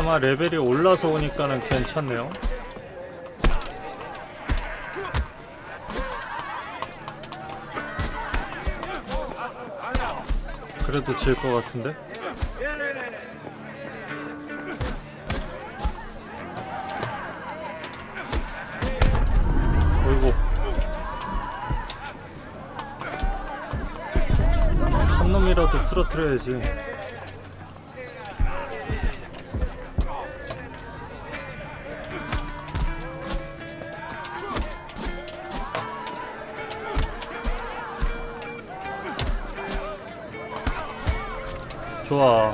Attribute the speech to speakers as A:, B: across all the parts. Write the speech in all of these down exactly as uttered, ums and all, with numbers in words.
A: 그나마 레벨이 올라서 오니까는 괜찮네요. 그래도 질 것 같은데? 어이구, 한 놈이라도 쓰러뜨려야지. 좋아.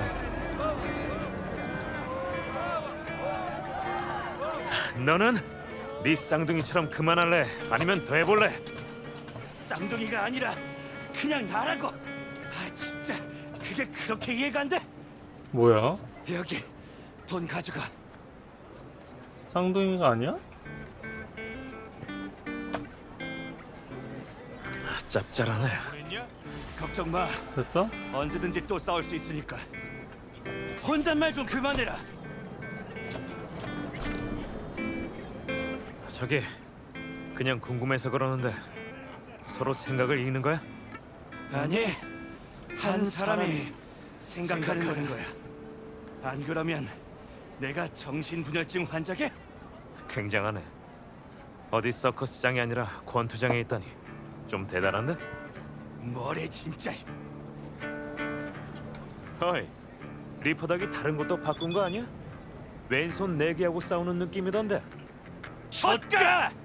B: 너는 네 쌍둥이처럼 그만할래? 아니면 더 해볼래?
C: 쌍둥이가 아니라 그냥 나라고. 아 진짜 그게 그렇게 이해가 안 돼?
A: 뭐야?
C: 여기 돈 가져가.
A: 쌍둥이가 아니야?
B: 짭짤하네.
C: 걱정 마.
A: 됐어?
C: 언제든지 또 싸울 수 있으니까. 혼잣말 좀 그만해라.
B: 저기 그냥 궁금해서 그러는데 서로 생각을 읽는 거야?
C: 아니, 한 사람이 생각하는 거야. 안 그러면 내가 정신분열증 환자게?
B: 굉장하네. 어디 서커스장이 아니라 권투장에 있다니 좀 대단한데?
C: 뭐래 진짜.
B: 어이, 리퍼닥이 다른 것도 바꾼 거 아니야? 왼손 네 개하고 싸우는 느낌이던데.
C: 젖가!